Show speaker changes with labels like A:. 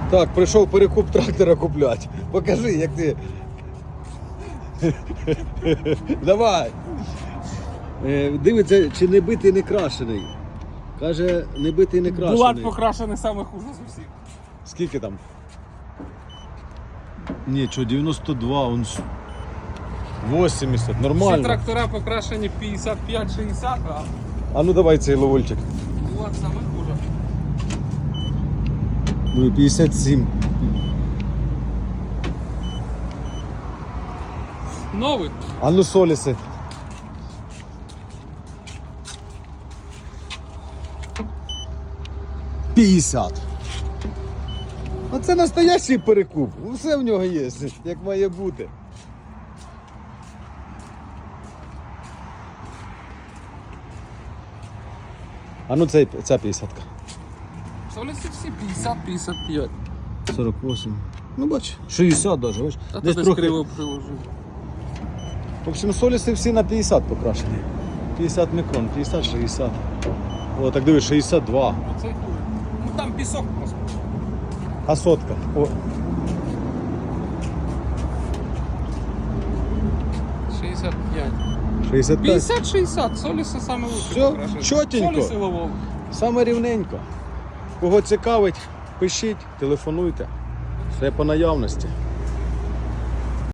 A: Так, прийшов перекуп трактора купляти. Покажи, як ти. Давай. Дивиться, чи не битий, не крашений. Каже, не битий, не крашений.
B: Булат покрашений саме хуже з усіх.
A: Скільки там? Ні, що, 92, он 80, нормально.
B: Всі трактора покрашені 55-60,
A: А ну давай цей ловольчик.
B: Булат саме хуже.
A: Ну і 57.
B: Новий.
A: А ну соліси. – 50. Оце настоящий перекуп. Все в нього є, як має бути. А ну ця 50-ка.
B: Соліси всі 50-55.
A: 48. Ну бач, 60 даже, бач.
B: А
A: Десь
B: то
A: трохи.
B: криво приложив.
A: В общем, соліси всі на 50 покрашені. 50 мікрон, 50-60. О, так дивись, 62.
B: Оцей хуже. Ну там пісок просто.
A: А сотка. О.
B: 65.
A: 65.
B: 50-60, соліси саме лучше
A: Всьо,
B: покрашені.
A: чотенько.
B: Соліси ловов.
A: Саме рівненько. Кого цікавить, пишіть, телефонуйте. Все по наявності.